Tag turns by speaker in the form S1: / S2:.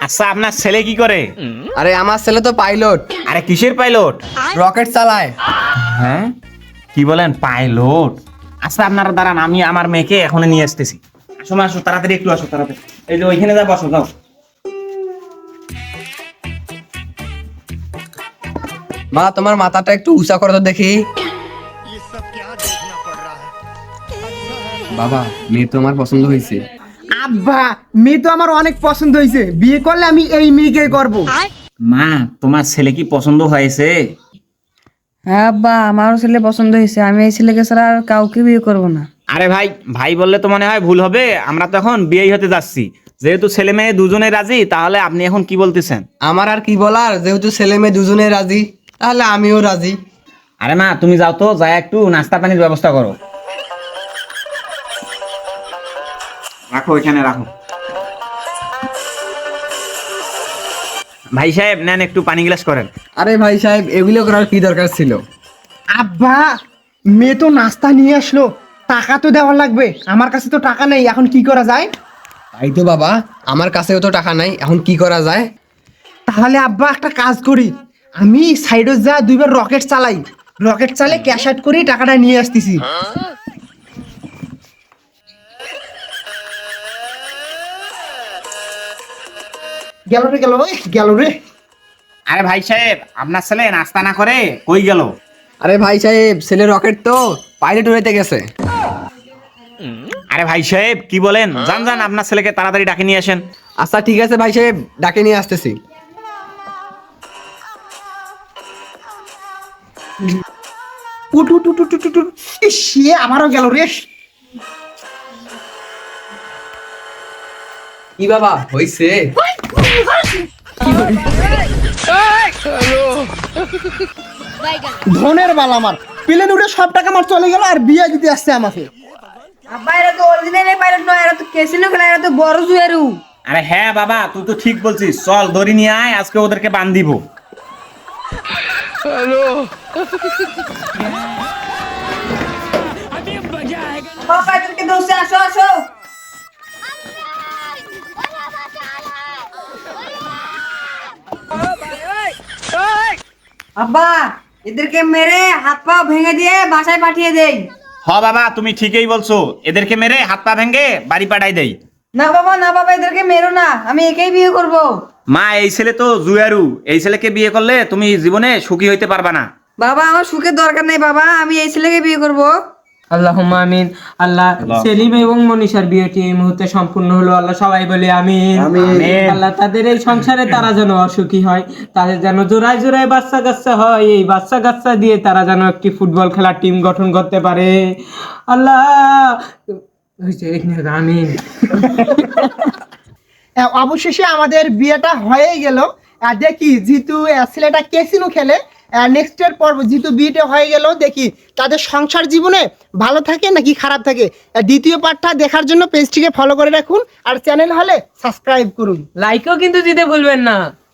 S1: আচ্ছা আপনার ছেলে কি করে?
S2: আরে আমার ছেলে তো পাইলট,
S1: আরে কিসের পাইলট?
S2: রকেট চালায়।
S1: হ্যাঁ কি বলেন, পাইলট? আচ্ছা আপনারা দাঁড়ান, আমি আমার মেয়েকে এখনই নিয়ে আসতেছি। আসো মা, আসো তাড়াতাড়ি, একটু আসো তাড়াতাড়ি। এই যে ওইখানে যা বসো, যাও।
S2: মা তোমার মাথাটা একটু উঁচা করো তো দেখি। বাবা মেয়ে তো আমার পছন্দ হয়েছে।
S3: আব্বা, মেয়ে তো আমার অনেক পছন্দ হয়েছে, বিয়ে করলে আমি এই মেয়েকে করব।
S1: মা তোমার ছেলে কি পছন্দ হয়েছে?
S4: হ্যাঁ আব্বা, আমারও ছেলে পছন্দ হয়েছে। আমি এই ছেলেকে ছাড়া আর কাউকে বিয়ে করব না।
S1: আরে ভাই, ভাই বললে তো মনে হয় ভুল হবে। আমরা তো এখন বিয়েই হতে যাচ্ছি। যেহেতু ছেলে মেয়ে দুজনে রাজি, তাহলে আপনি এখন কি বলতেছেন?
S2: আমার আর কি বলার, যেহেতু ছেলে মেয়ে দুজনে রাজি তাহলে আমিও রাজি।
S1: আরে মা তুমি যাও তো, যাই একটু নাস্তা পানির ব্যবস্থা করো। রাখো এখানে রাখো। ভাই সাহেব নেন, একটু পানি গ্লাস করেন।
S2: আরে ভাই সাহেব, এগুলো করার কি দরকার ছিল?
S3: আব্বা, মেয়ে তো নাস্তা নিয়ে আসলো, টাকা তো দেওয়া লাগবে। আমার কাছে তো টাকা নেই, এখন কি করা যায়?
S2: তাই তো বাবা, আমার কাছেও তো টাকা নাই, এখন কি করা যায়?
S3: তাহলে আব্বা একটা কাজ করি, আমি সাইডে যা দুইবার রকেট চালাই, রকেট চালে ক্যাশ আউট করি, টাকাটা নিয়ে আসতেছি। গেল রে, গেল রে, গেল রে।
S1: আরে ভাই সাহেব, আপনার ছেলে নাস্তা না করে কই গেল?
S2: আরে ভাই সাহেব, ছেলে রকেট তো পাইলট উড়াইতে গেছে।
S1: আরে ভাই সাহেব কি বলেন, যান যান, আপনার ছেলেকে তাড়াতাড়ি ডাকে নিয়ে আসেন।
S2: আচ্ছা ঠিক আছে ভাই সাহেব, ডাকে নিয়ে আসতেছি।
S3: উঠ উঠ উঠ উঠ উঠ, উঠ। ইস, সে আবারও গেল রে।
S2: কি বাবা হইছে?
S3: ধনের বাল আমার, প্লেন উঠে সব টাকা আমার চলে গেল, আর বিয়ে দিতে আসছে আমাকে।
S4: আব্বা, এরা তো অরিজিনাল পাইলট নয়, এরা তো ক্যাসিনো খেলা, এরা তো বড় জুয়ারু।
S1: আরে হ্যাঁ বাবা, তুই তো ঠিক বলছিস। চল দড়ি নিয়ে আয়, আজকে ওদেরকে বান দিব।
S4: সব পাইলটকে দৌড়ছে, আসো আসো। আব্বা, এদেরকে মেরে হাত পা ভেঙে দিয়ে বাসায় পাঠিয়ে দেই।
S1: হ বাবা, তুমি ঠিকই বলছো, এদেরকে মেরে হাত পা ভেঙে বাড়ি পাঠাই দেই।
S4: না বাবা, না বাবা, এদেরকে মেরো না, আমি একেই বিয়ে করব।
S1: মা এই ছেলে তো জুয়ারু, এই ছেলেকে বিয়ে করলে তুমি জীবনে সুখী হইতে পারবা না।
S4: বাবা, আমার সুখের দরকার নেই বাবা, আমি এই ছেলেকে বিয়ে করব।
S5: আল্লাহুম্মা আমিন। আল্লাহ, সেলিম এবং মনীষার বিয়েটি এই মুহূর্তে সম্পূর্ণ হলো। আল্লাহ সবাই বলে আমিন। আল্লাহ তাদের এই সংসারে তারা যেন অসুখী হয়, তাদের যেন জোড়ায় জোড়ায় বাচ্চা কাচ্চা হয়, এই বাচ্চা কাচ্চা দিয়ে তারা যেন একটি ফুটবল খেলার টিম গঠন করতে পারে। আল্লাহ আমিন।
S3: অবশেষে আমাদের বিয়েটা হয়ে গেল। আর দেখি জিতু ছেলেটা ক্যাসিনো খেলে, নেক্সটের পর্ব জিতু বিয়েটা হয়ে গেল, দেখি তাদের সংসার জীবনে ভালো থাকে নাকি খারাপ থাকে। দ্বিতীয় পার্টটা দেখার জন্য পেজটিকে ফলো করে রাখুন, আর চ্যানেল হলে সাবস্ক্রাইব করুন।
S5: লাইকও কিন্তু দিতে ভুলবেন না।